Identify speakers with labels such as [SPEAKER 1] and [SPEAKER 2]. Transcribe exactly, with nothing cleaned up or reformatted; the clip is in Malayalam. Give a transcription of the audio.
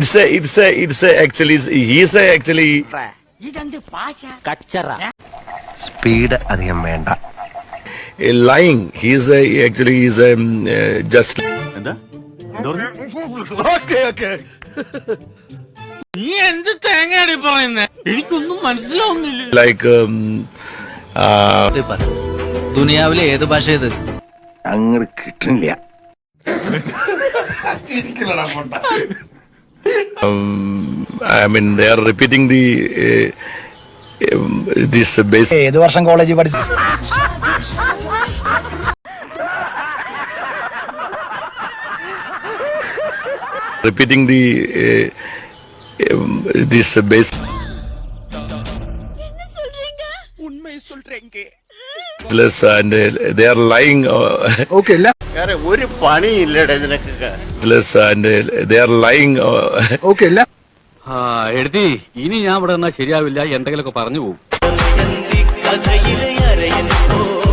[SPEAKER 1] it's a it's a it's a actually he's a actually
[SPEAKER 2] speed അധികം വേണ്ട.
[SPEAKER 1] a lying. He's a actually he's a um, uh, just.
[SPEAKER 3] Okay, okay. നീ എന്ത് തേങ്ങയാടി പറയുന്നേ? എനിക്കൊന്നും മനസ്സിലാവുന്നില്ല.
[SPEAKER 1] Like um, uh,
[SPEAKER 2] ദുനിയാവിലെ ഏത് ഭാഷ ഇത്?
[SPEAKER 4] അങ്ങോട്ട് കിട്ടുന്നില്ല.
[SPEAKER 1] um, I mean they are repeating the uh, um, this base.
[SPEAKER 5] ഏത് വർഷം കോളേജിൽ പഠിച്ചു?
[SPEAKER 1] Repeating the uh, um, this base. And uh, they are lying. Uh,
[SPEAKER 4] Okay, അല്ല.
[SPEAKER 3] ഒരു പണിയില്ലടേ നിനക്കൊക്കെ.
[SPEAKER 1] and uh, they are lying. Uh,
[SPEAKER 4] Okay, അല്ല.
[SPEAKER 6] ആ എഴുതി ഇനി ഞാൻ ഇവിടെ നിന്നാ ശരിയാവില്ല, എന്തെങ്കിലുമൊക്കെ പറഞ്ഞു പോകും.